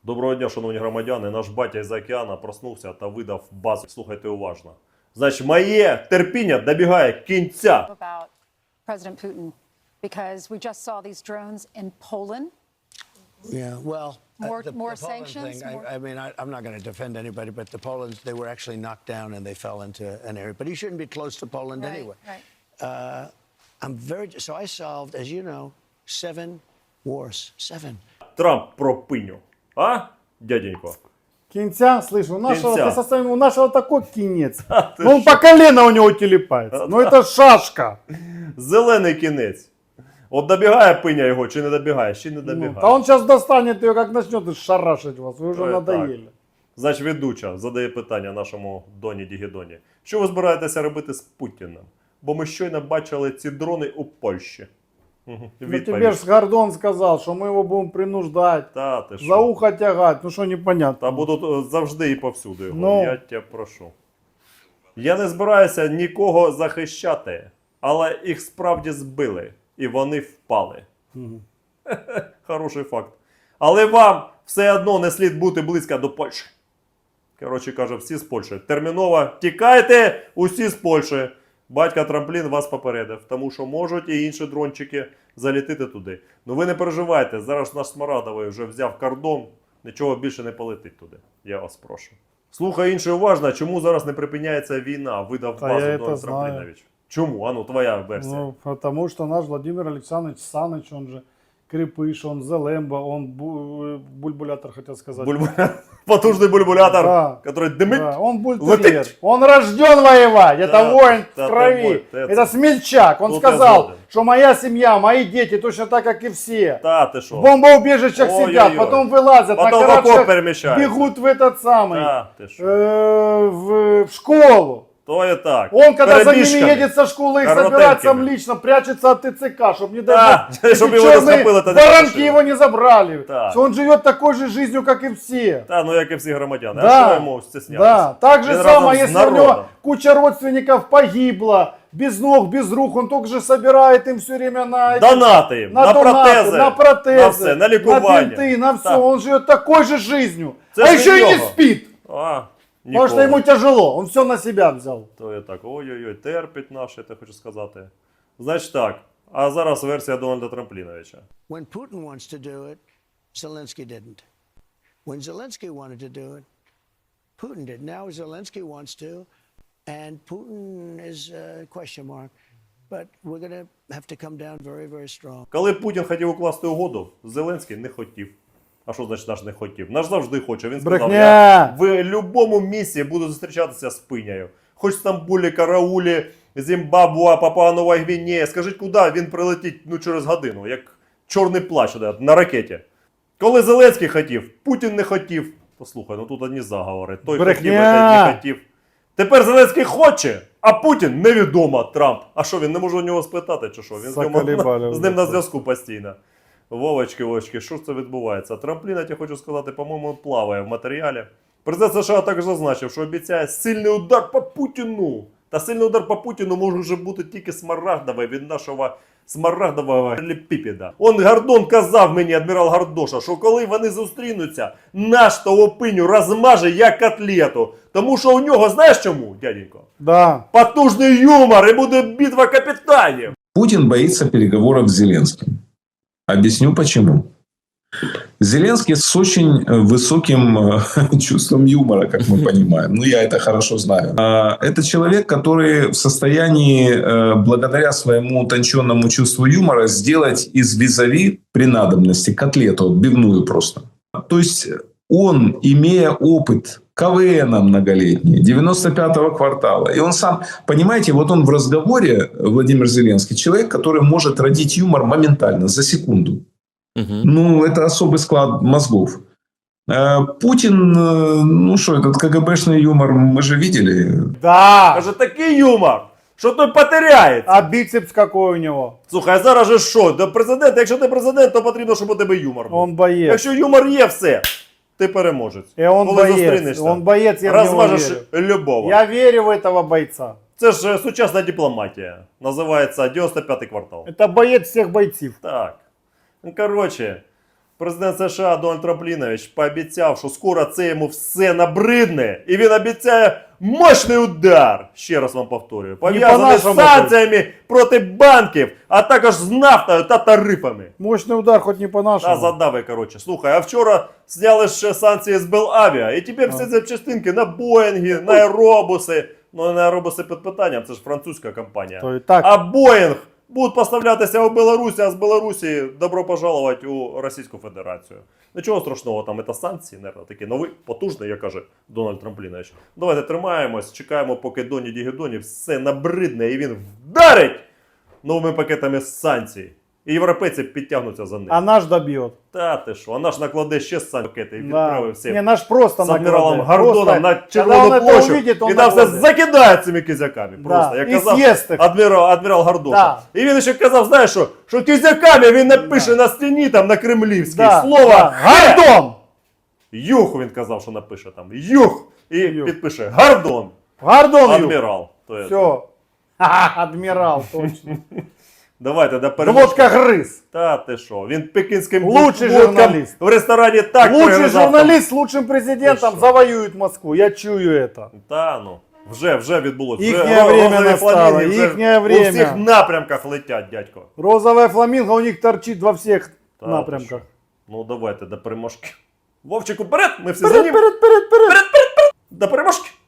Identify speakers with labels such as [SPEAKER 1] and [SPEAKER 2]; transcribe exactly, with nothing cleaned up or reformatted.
[SPEAKER 1] Доброго дня, шановні громадяни. Наш батя із океана проснувся та видав базу. Слухайте уважно. Значить, моє терпіння добігає кінця.
[SPEAKER 2] About President Putin, because we just saw these drones in Poland.
[SPEAKER 3] Yeah, well,
[SPEAKER 2] More-
[SPEAKER 3] uh, the,
[SPEAKER 2] more
[SPEAKER 3] the Poland
[SPEAKER 2] sanctions,
[SPEAKER 3] thing,
[SPEAKER 2] more-
[SPEAKER 3] I, I mean, I, I'm not going to defend anybody, but the Poland's, they were actually knocked down and they fell into an area. But he shouldn't be close to Poland
[SPEAKER 2] Right,
[SPEAKER 3] anyway.
[SPEAKER 2] right.
[SPEAKER 3] Uh, I'm very, so I solved, as you know, seven wars. Seven.
[SPEAKER 1] Трамп про пиню. А, дяденько?
[SPEAKER 4] Кинця, слышь, у нашего,
[SPEAKER 1] Кинця.
[SPEAKER 4] ты со своим- у нашего такой кинец.
[SPEAKER 1] ты
[SPEAKER 4] Ну, он
[SPEAKER 1] шо?
[SPEAKER 4] по колено у него телепается. Ну, это шашка.
[SPEAKER 1] Зелений кінець. От добігає пиня його чи не добігає? Ще не
[SPEAKER 4] Ну,
[SPEAKER 1] добігає.
[SPEAKER 4] а он сейчас достанет ее, как начнет и шарашить вас. Вы уже
[SPEAKER 1] Ой,
[SPEAKER 4] надоели.
[SPEAKER 1] Значить, ведуча задає питання нашому Доні Дігідоні. Що ви збираєтеся робити з Путіним? Бо ми щойно бачили ці дрони у Польщі. Угу.
[SPEAKER 4] Ну, тебе ж Гордон сказал, что мы его будем принуждать,
[SPEAKER 1] Та, ти
[SPEAKER 4] за
[SPEAKER 1] що?
[SPEAKER 4] ухо тягать. Ну, что непонятно.
[SPEAKER 1] Та будуть е, завжди і повсюди його.
[SPEAKER 4] Ну.
[SPEAKER 1] Я тебе прошу. Я не збираюся нікого захищати, але їх справді збили. І вони впали. Хороший факт. Але вам все одно не слід бути близько до Польщі. Коротше каже, всі з Польщі. Терміново тікайте усі з Польщі. Батька Трамплін вас попередив, тому що можуть і інші дрончики залітити туди. Ну ви не переживайте, зараз наш Смарадовий вже взяв кордон, нічого більше не полетить туди. Я вас прошу. Слухай інше уважно, чому зараз не припиняється війна, видав
[SPEAKER 4] Та
[SPEAKER 1] базу
[SPEAKER 4] я
[SPEAKER 1] Дон
[SPEAKER 4] це знаю.
[SPEAKER 1] Трамплінович. Чому? А ну, твоя версія.
[SPEAKER 4] Ну, потому что наш Владимир Александрович Саныч, он же Крепыш, он Зелемба, он бу- бульбулятор, хотел сказать.
[SPEAKER 1] Бульбу- Потужний бульбулятор,
[SPEAKER 4] Да.
[SPEAKER 1] який димить.
[SPEAKER 4] Да, он бультерьер.
[SPEAKER 1] Летит.
[SPEAKER 4] Он рожден воевать. Это
[SPEAKER 1] Да,
[SPEAKER 4] воин
[SPEAKER 1] да,
[SPEAKER 4] в
[SPEAKER 1] ты
[SPEAKER 4] крови.
[SPEAKER 1] мой, ты
[SPEAKER 4] Это
[SPEAKER 1] это-
[SPEAKER 4] смельчак. Он
[SPEAKER 1] Тут я
[SPEAKER 4] сказал,
[SPEAKER 1] згоден.
[SPEAKER 4] что моя семья, мои дети точно так, как и все.
[SPEAKER 1] Та ти що?
[SPEAKER 4] В бомбоубежищах
[SPEAKER 1] Ой-ой-ой.
[SPEAKER 4] сидят, потом вылазят,
[SPEAKER 1] Потом
[SPEAKER 4] на
[SPEAKER 1] в окоп
[SPEAKER 4] карачках
[SPEAKER 1] перемещаются.
[SPEAKER 4] бегут в этот самый,
[SPEAKER 1] Та ти що?
[SPEAKER 4] э, в, в школу.
[SPEAKER 1] То і так.
[SPEAKER 4] Он, когда за ними
[SPEAKER 1] Перебіжками.
[SPEAKER 4] едет со школы, их
[SPEAKER 1] Коротенькими.
[SPEAKER 4] забирает сам лично, прячется от ТЦК, чтобы не
[SPEAKER 1] Да,
[SPEAKER 4] даже
[SPEAKER 1] чтоб
[SPEAKER 4] эти
[SPEAKER 1] его не
[SPEAKER 4] черные
[SPEAKER 1] схопило, это не
[SPEAKER 4] воронки
[SPEAKER 1] страшно.
[SPEAKER 4] его не забрали.
[SPEAKER 1] Так.
[SPEAKER 4] Он живет такой же жизнью, как и все.
[SPEAKER 1] Та, ну як і всі громадяни. А
[SPEAKER 4] Да,
[SPEAKER 1] що йому стіснятися?
[SPEAKER 4] да. Так же
[SPEAKER 1] Він
[SPEAKER 4] самое,
[SPEAKER 1] разом з
[SPEAKER 4] если у него
[SPEAKER 1] народом.
[SPEAKER 4] куча родственников погибла, без ног, без рук, он только же собирает им все время на, эти-
[SPEAKER 1] Донати їм, на,
[SPEAKER 4] на, донаты,
[SPEAKER 1] протези,
[SPEAKER 4] на протезы,
[SPEAKER 1] на все, на лікування.
[SPEAKER 4] на бинты, на все.
[SPEAKER 1] Так.
[SPEAKER 4] Он живет такой же жизнью.
[SPEAKER 1] Це
[SPEAKER 4] а
[SPEAKER 1] ж
[SPEAKER 4] еще
[SPEAKER 1] від
[SPEAKER 4] и не
[SPEAKER 1] нього.
[SPEAKER 4] спит.
[SPEAKER 1] А,
[SPEAKER 4] Потому что
[SPEAKER 1] ніколи.
[SPEAKER 4] ему тяжело, он все на себя взял.
[SPEAKER 1] То є так, ой-ой-ой, терпить наш, я те хочу сказати. Значить так, а зараз версія Дональда Трампліновича.
[SPEAKER 3] When Putin wants to do it, Zelensky didn't. When Zelensky wanted to do it, Putin did. Now Zelensky wants to, and Putin is a question mark. But we're going to have to come down very, very strong.
[SPEAKER 1] Коли Путін хотів укласти угоду, Зеленський не хотів. А що значить наш не хотів? Наш завжди хоче. Він сказав,
[SPEAKER 4] Брехня!
[SPEAKER 1] я в будь-якому місці буду зустрічатися з пинею. Хоч в Стамбулі, Караулі, Зімбабве, Папуа Нова Гвінея. Скажіть, куди він прилетить ну, через годину, як чорний плащ на ракеті. Коли Зеленський хотів, Путін не хотів. Послухай, ну тут одні заговори. Той
[SPEAKER 4] Брехня!
[SPEAKER 1] хотів, той не хотів. Тепер Зеленський хоче, а Путін невідомо, Трамп. А що, він не може у нього спитати, чи що? Він з, ньому,
[SPEAKER 4] Заколебали
[SPEAKER 1] з ним на
[SPEAKER 4] вже.
[SPEAKER 1] зв'язку постійно. Вовочки, Вовочки, що ж це відбувається? Трамплін, я тебе хочу сказати, по-моєму, плаває в матеріалі. Президент США також зазначив, що обіцяє сильний удар по Путіну. Та сильний удар по Путіну може вже бути тільки смарагдовий від нашого смарагдового ліпіпіда. Он Гордон казав мені, адмірал Гордоша, що коли вони зустрінуться, наш того пиню розмаже як котлету. Тому що у нього, знаєш чому, дяденько?
[SPEAKER 4] Да.
[SPEAKER 1] Потужний юмор і буде битва капітанів.
[SPEAKER 5] Путин боится переговоров с Зеленским. Объясню почему. Зеленский с очень высоким э, чувством юмора, как мы понимаем. Ну, я это хорошо знаю. А, Это человек, который в состоянии, э, благодаря своему утонченному чувству юмора, сделать из визави при надобности котлету, отбивную просто. То есть он, имея опыт КВНа многолетний, девяносто пятого квартала, и он сам, понимаете, вот он в разговоре, Владимир Зеленский, человек, который может родить юмор моментально, за секунду. Ну, это особый склад мозгов. Э, Путин, э, ну что, этот КГБшный юмор мы же видели.
[SPEAKER 4] Да.
[SPEAKER 1] Каже, такий юмор, що той потеряється.
[SPEAKER 4] А бицепс какой у него?
[SPEAKER 1] Слухай, а зараз же що? До президента, якщо ти президент, то потрібно, щоб у тебе юмор був.
[SPEAKER 4] Он боец.
[SPEAKER 1] Якщо юмор є, все, ти переможець.
[SPEAKER 4] И он
[SPEAKER 1] Коли
[SPEAKER 4] боец.
[SPEAKER 1] зустрінешся,
[SPEAKER 4] Он боец, я в него
[SPEAKER 1] розважиш
[SPEAKER 4] верю.
[SPEAKER 1] любого.
[SPEAKER 4] Я верю в этого бойца.
[SPEAKER 1] Це ж е, сучасна дипломатія. Називається дев'яносто п'ятий квартал.
[SPEAKER 4] Это боец всех бойців.
[SPEAKER 1] Так. Ну, коротше, Президент США Дональд Трамплінович пообіцяв, що скоро це йому все набридне, і він обіцяє мощний удар. Ще раз вам повторюю. Пов'язаний з
[SPEAKER 4] по-нашому
[SPEAKER 1] санкціями проти банків, а також з нафтою та тарифами.
[SPEAKER 4] Мощный удар, хоть не
[SPEAKER 1] Та
[SPEAKER 4] по-нашему.
[SPEAKER 1] задави, коротше. Слухай, а вчора зняли ще санкції з Белавіа, і тепер всі запчастинки на Боїнги, на аеробуси. Ну, на аеробуси під питанням, це ж французька компанія.
[SPEAKER 4] То і так.
[SPEAKER 1] А Боїнг будуть поставлятися у Білорусі, а з Білорусі добро пожаловать у Російську Федерацію. Нічого страшного, там це санкції, наверное, такі нові, потужні, як каже Дональд Трамплінович. Давайте тримаємось, чекаємо, поки Доні Дігідоні все набридне і він вдарить новими пакетами санкцій. І європейці підтягнуться за ним.
[SPEAKER 4] А наш добьет.
[SPEAKER 1] Та ти що, а наш накладе ще санкції пакети і
[SPEAKER 4] Да.
[SPEAKER 1] відправив всіх.
[SPEAKER 4] Не, наш просто
[SPEAKER 1] З адміралом
[SPEAKER 4] накладе.
[SPEAKER 1] Гордоном
[SPEAKER 4] Просто,
[SPEAKER 1] на
[SPEAKER 4] когда
[SPEAKER 1] Червону
[SPEAKER 4] он это
[SPEAKER 1] площу,
[SPEAKER 4] увидит, он
[SPEAKER 1] і там все
[SPEAKER 4] накладе.
[SPEAKER 1] закидає цими кизяками.
[SPEAKER 4] Да,
[SPEAKER 1] Просто, як
[SPEAKER 4] і
[SPEAKER 1] казав
[SPEAKER 4] з'їсть їх.
[SPEAKER 1] адмірал, адмірал Гордоша.
[SPEAKER 4] Да.
[SPEAKER 1] І він ще казав, знаєш що, що кизяками він напише на стіні там на кремлівській
[SPEAKER 4] Да,
[SPEAKER 1] слово
[SPEAKER 4] да.
[SPEAKER 1] «Ге».
[SPEAKER 4] Гордон!
[SPEAKER 1] Юх він казав, що напише там. Юх! І
[SPEAKER 4] Юх.
[SPEAKER 1] підпише Гордон.
[SPEAKER 4] Гордон,
[SPEAKER 1] Адмірал. То є.
[SPEAKER 4] Все. Адмирал, точно.
[SPEAKER 1] Давайте до переможки.
[SPEAKER 4] Водка грыз.
[SPEAKER 1] Та ти що, він пекінським
[SPEAKER 4] Лучший
[SPEAKER 1] водкам
[SPEAKER 4] журналіст.
[SPEAKER 1] в ресторані так
[SPEAKER 4] Лучший
[SPEAKER 1] перегризав там.
[SPEAKER 4] журналист с лучшим президентом
[SPEAKER 1] Ты что?
[SPEAKER 4] завоюет Москву. Я чую это.
[SPEAKER 1] Та ну, вже, вже відбулося.
[SPEAKER 4] Їхнє
[SPEAKER 1] Вже
[SPEAKER 4] время
[SPEAKER 1] розові
[SPEAKER 4] настало,
[SPEAKER 1] фламінги вже
[SPEAKER 4] їхнє
[SPEAKER 1] у
[SPEAKER 4] время.
[SPEAKER 1] всіх напрямках летять, дядько.
[SPEAKER 4] Розовая фламинго у них торчит во всех
[SPEAKER 1] Та,
[SPEAKER 4] напрямках.
[SPEAKER 1] ти що? Ну давайте до переможки. Вовчику, вперед! Ми всі
[SPEAKER 4] Вперед,
[SPEAKER 1] за ним.
[SPEAKER 4] вперед, вперед, вперед.
[SPEAKER 1] До переможки!